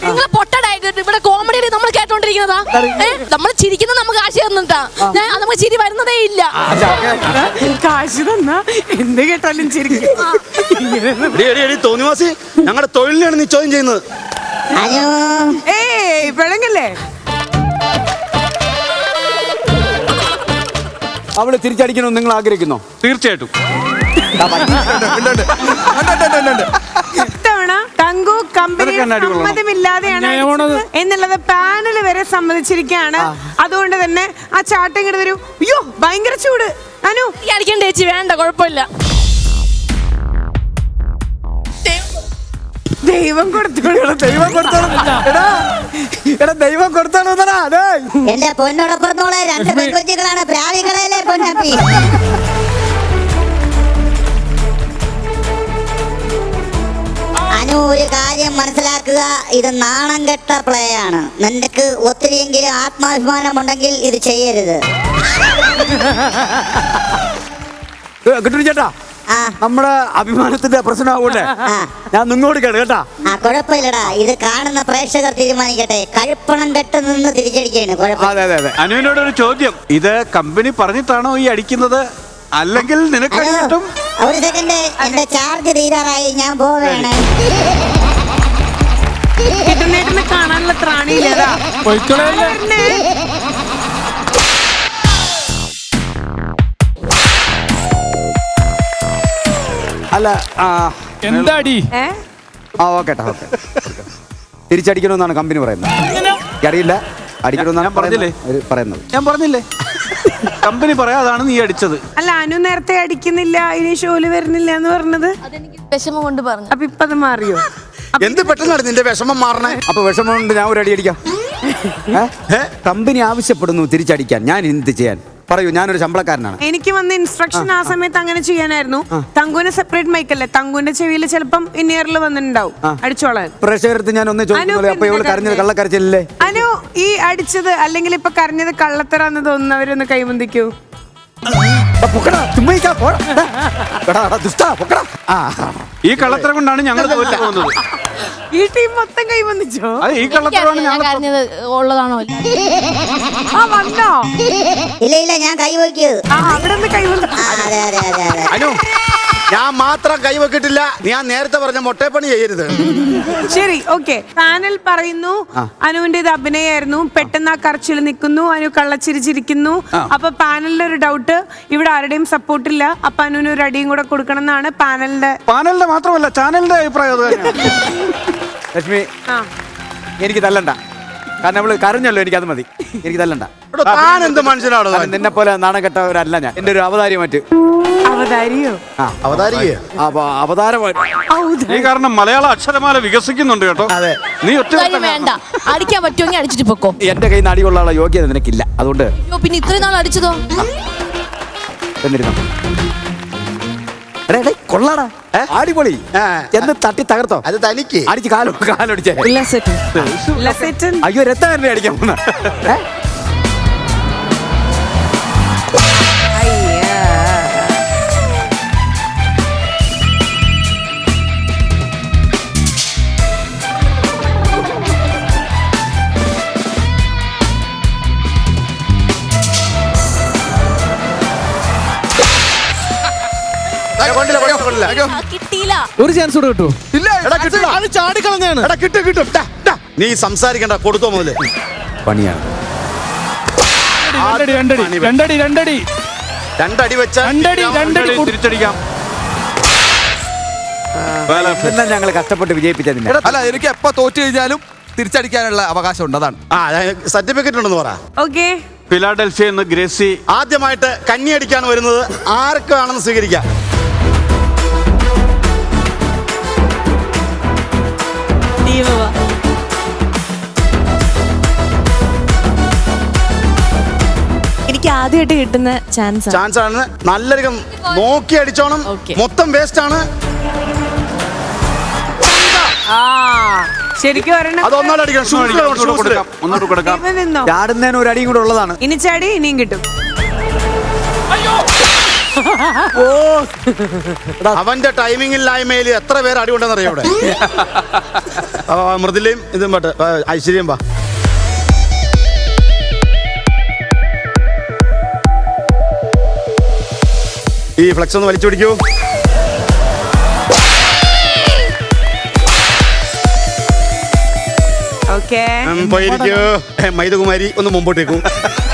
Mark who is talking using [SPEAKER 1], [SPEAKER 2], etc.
[SPEAKER 1] നിങ്ങളെ പൊട്ടടായിട്ട് ഇവിടെ കോമഡി നമ്മൾ കേട്ടോണ്ടിരിക്കുന്നതാ. നമ്മൾ ചിരിക്കുന്നത് നമുക്ക് കാശ് തന്നിട്ടാ. നമുക്ക് ചിരി വരുന്നതേ ഇല്ല.
[SPEAKER 2] കാശ് തന്നാ എന്ത് കേട്ടാലും ചിരിക്കും.
[SPEAKER 3] തോന്നിവാസി ഞങ്ങളുടെ തൊഴിലിനാണ് നീ ചോദ്യം ചെയ്യുന്നത്.
[SPEAKER 2] ഏയ് പിഴങ്ങല്ലേ.
[SPEAKER 4] അവള് തിരിച്ചടിക്കണമെന്ന് നിങ്ങൾ ആഗ്രഹിക്കുന്നോ?
[SPEAKER 5] തീർച്ചയായിട്ടും.
[SPEAKER 2] ഇത്തവണ തങ്കു കമ്പനി സമ്മതമില്ലാതെയാണ് എന്നുള്ളത് പാനൽ വരെ സമ്മതിച്ചിരിക്കുകയാണ്. അതുകൊണ്ട് തന്നെ ആ ചാട്ടം ഇങ്ങോട്ട് വരൂ. അയ്യോ ഭയങ്കര ചൂട്. അനു
[SPEAKER 1] അടിക്കണ്ട ചേച്ചി, വേണ്ട, കുഴപ്പമില്ല.
[SPEAKER 2] ദൈവം കൊടുത്തോളൂ.
[SPEAKER 4] ദൈവം കൊടുത്തോളൂ. ദൈവം കൊടുത്തോളൂ.
[SPEAKER 6] എന്റെ പൊന്നോടൊപ്പുറത്തോളെ 2 പെൺകുട്ടികളാണ് പ്രാവികളല്ലേ പൊന്നപ്പി. അനു, ഒരു കാര്യം മനസ്സിലാക്കുക, ഇത് നാണം കെട്ട പ്ലേ ആണ്. നിനക്ക് ഒത്തിരിയെങ്കിലും ആത്മാഭിമാനം ഉണ്ടെങ്കിൽ ഇത് ചെയ്യരുത്.
[SPEAKER 4] കിട്ടു ചേട്ടാ, നമ്മുടെ അഭിമാനത്തിന്റെ പ്രശ്നമാകൂടെ ഞാൻ നിന്നോട് കേട്ടാ.
[SPEAKER 6] കുഴപ്പമില്ലടാ, ഇത് കാണുന്ന പ്രേക്ഷകർ തീരുമാനിക്കട്ടെ. കഴുപ്പണം കെട്ട് നിന്ന് തിരിച്ചടിക്കാണ്.
[SPEAKER 5] അനുവിനോട് ഒരു ചോദ്യം, ഇത് കമ്പനി പറഞ്ഞിട്ടാണോ ഈ അടിക്കുന്നത്, അല്ലെങ്കിൽ നിനക്ക് കിട്ടും?
[SPEAKER 6] ഒരു സെക്കൻഡ്, എന്റെ ചാർജ് തീരാറായി, ഞാൻ പോവേണേ.
[SPEAKER 2] കിട്ടുന്നേട്ടിന് കാണാനുള്ള ത്രാണിയില്ലതാ.
[SPEAKER 4] അല്ല
[SPEAKER 5] എന്താടി?
[SPEAKER 4] ഓക്കേട്ടാ, ഓക്കെ. തിരിച്ചടിക്കണമെന്നാണ് കമ്പനി പറയുന്നത്. അറിയില്ല, അടിക്കണമെന്നാണ് പറയുന്നത്.
[SPEAKER 5] ഞാൻ പറഞ്ഞില്ലേ, കമ്പനി പറയാതാണ് നീ അടിച്ചത്.
[SPEAKER 2] അല്ല, അനു നേരത്തെ അടിക്കുന്നില്ല, ഇനി ഷോല് വരുന്നില്ല എന്ന് പറഞ്ഞത്.
[SPEAKER 1] അതെനിക്ക് വിഷമം കൊണ്ട് പറഞ്ഞു.
[SPEAKER 2] അപ്പൊ ഇപ്പൊ അത് മാറിയോ?
[SPEAKER 3] എന്ത് പെട്ടെന്നാണ് നിന്റെ വിഷമം മാറണേ?
[SPEAKER 4] അപ്പൊ വിഷമം കൊണ്ട് ഞാൻ ഒരു അടി അടിക്കാം. കമ്പനി ആവശ്യപ്പെടുന്നു തിരിച്ചടിക്കാൻ, ഞാൻ എന്ത് ചെയ്യാൻ പറയൂ? ഞാനൊരു ശമ്പളക്കാരനാണ്.
[SPEAKER 2] എനിക്ക് വന്ന ഇൻസ്ട്രക്ഷൻ ആ സമയത്ത് അങ്ങനെ ചെയ്യാനായിരുന്നു. തങ്കുവിന് സെപ്പറേറ്റ് മൈക്കല്ലേ, തങ്കുവിന്റെ ചെവിയിൽ ചിലപ്പം ഇന്നിയറിൽ വന്നിട്ടുണ്ടാവും അടിച്ചോളാൻ.
[SPEAKER 4] പ്രേക്ഷകർക്ക് ഞാൻ ഒന്ന് ചോദിക്കുന്നത്, അപ്പൊ ഇവള് കരഞ്ഞത് കള്ളക്കരച്ചില്ലേ?
[SPEAKER 2] അനു, ഈ അടിച്ചത് അല്ലെങ്കിൽ ഇപ്പൊ കരഞ്ഞത് കള്ളത്തരാന്ന് തോന്നുന്നവരൊന്ന് കൈവന്തിക്കൂ.
[SPEAKER 5] ഈ കള്ളത്തരം കൊണ്ടാണ് ഞങ്ങൾ തോറ്റു പോകുന്നത്.
[SPEAKER 2] ഈ ടീം മൊത്തം കൈവന്നിച്ചോ?
[SPEAKER 5] ഈ കള്ളത്തരമാണ്
[SPEAKER 1] ഞാൻ കരഞ്ഞത് ഉള്ളതാണോ?
[SPEAKER 2] ആ വന്നോ?
[SPEAKER 6] ഇല്ല ഇല്ല, ഞാൻ കൈവയ്ക്കൂ.
[SPEAKER 2] അവിടെ നിന്ന് കൈവന്നു.
[SPEAKER 6] അതെ അതെ അതെ അതെ.
[SPEAKER 3] അനു, ഞാൻ മാത്രം കൈവെക്കിട്ടില്ല. ഞാൻ നേരത്തെ പറഞ്ഞ മൊട്ടേപ്പണി ചെയ്യരുത്.
[SPEAKER 2] ശരി, ഓക്കെ. പാനൽ പറയുന്നു അനുവിന്റെ ഇത് അഭിനയായിരുന്നു. പെട്ടെന്ന് ആ കറച്ചിൽ നിൽക്കുന്നു, അനു കള്ളച്ചിരിച്ചിരിക്കുന്നു. അപ്പൊ പാനലിന്റെ ഒരു ഡൗട്ട്, ഇവിടെ ആരുടെയും സപ്പോർട്ട് ഇല്ല. അപ്പൊ അനുവിന് ഒരു അടിയും കൂടെ കൊടുക്കണം എന്നാണ് പാനലിന്റെ
[SPEAKER 5] മാത്രമല്ല ചാനലിന്റെ അഭിപ്രായം.
[SPEAKER 4] ലക്ഷ്മി, എനിക്ക് തല്ലണ്ട. കാരണം അവള് കരഞ്ഞല്ലോ, എനിക്കത് മതി. എനിക്ക് തല്ലണ്ട.
[SPEAKER 3] താൻ എന്ത് മനുഷ്യനാണോ?
[SPEAKER 4] നിന്നെ പോലെ നാണം കെട്ടവരല്ല ഞാൻ. എന്റെ ഒരു അവതാരി മറ്റ്
[SPEAKER 2] അവതാരിയോ?
[SPEAKER 5] ഈ കാരണം മലയാള അക്ഷരമാല വികസിക്കുന്നുണ്ട് കേട്ടോ.
[SPEAKER 3] അതെ,
[SPEAKER 5] നീ ഒറ്റ
[SPEAKER 1] വേണ്ട, അടിക്കാൻ പറ്റുമെങ്കിൽ അടിച്ചിട്ട് പൊക്കോ.
[SPEAKER 4] എന്റെ കയ്യിൽ നിന്ന് അടികൊള്ളാനുള്ള യോഗ്യത നിനക്കില്ല. അതുകൊണ്ട്
[SPEAKER 1] പിന്നെ ഇത്രയും നാൾ അടിച്ചതോ?
[SPEAKER 4] കൊള്ളാടാ, അടിപൊളി. എന്ന് തട്ടി തകർത്തോ?
[SPEAKER 3] അത് തനിക്ക്
[SPEAKER 4] അടിച്ച് കാലൊടിച്ചേ. അയ്യോ, രക്തം അടിക്കാൻ പോന്ന.
[SPEAKER 1] കിട്ടിയില്ല.
[SPEAKER 7] ഒരു ചാൻസ് കൂടെ കിട്ടൂ.
[SPEAKER 3] ചാടിക്കളഞ്ഞാണ്. നീ സംസാരിക്കണ്ട, കൊടുത്തോ മുതല്.
[SPEAKER 4] പണിയാണ്.
[SPEAKER 3] രണ്ടടി വെച്ച
[SPEAKER 5] തിരിച്ചടിക്കാം.
[SPEAKER 4] എല്ലാം ഞങ്ങൾ കഷ്ടപ്പെട്ട് വിജയിപ്പിച്ചതിന്.
[SPEAKER 7] അല്ല, എനിക്ക് എപ്പോ തോറ്റു കഴിഞ്ഞാലും തിരിച്ചടിക്കാനുള്ള അവകാശം ഉണ്ട്. അതാണ്.
[SPEAKER 3] സർട്ടിഫിക്കറ്റ് ഉണ്ടെന്ന് പറ.
[SPEAKER 2] ഓക്കെ.
[SPEAKER 5] ഫിലാഡൽഫിയ എന്ന് ഗ്രേസി
[SPEAKER 3] ആദ്യമായിട്ട് കന്നി അടിക്കാൻ വരുന്നത് ആർക്കാണെന്ന് സ്വീകരിക്കാം.
[SPEAKER 1] എനിക്ക് ആദ്യമായിട്ട് കിട്ടുന്ന ചാൻസ്
[SPEAKER 3] ആണ്. നല്ലൊരു നോക്കി അടിച്ചോണം. മൊത്തം വേസ്റ്റ് ആണ്.
[SPEAKER 2] ശരിക്കും
[SPEAKER 3] അതൊന്നാലും അടിക്കണം.
[SPEAKER 4] ചാടുന്നതിന് ഒരു അടിയും കൂടെ ഉള്ളതാണ്.
[SPEAKER 2] ഇനി ചാടി ഇനിയും കിട്ടും.
[SPEAKER 3] അവന്റെ ടൈമിംഗില്ലായ്മയിൽ എത്ര പേര് അടി ഉണ്ടെന്നറിയോ ഇവിടെ. മൃദുലയും ഇതും പട്ട് ഐശ്വര്യം വാ. ഈ ഫ്ലെക്സ് ഒന്ന് വലിച്ചു പിടിക്കൂ.
[SPEAKER 2] ഓക്കെ
[SPEAKER 3] പോയിരിക്കൂ. മൈദകുമാരി ഒന്ന് മുമ്പോട്ടേക്കും.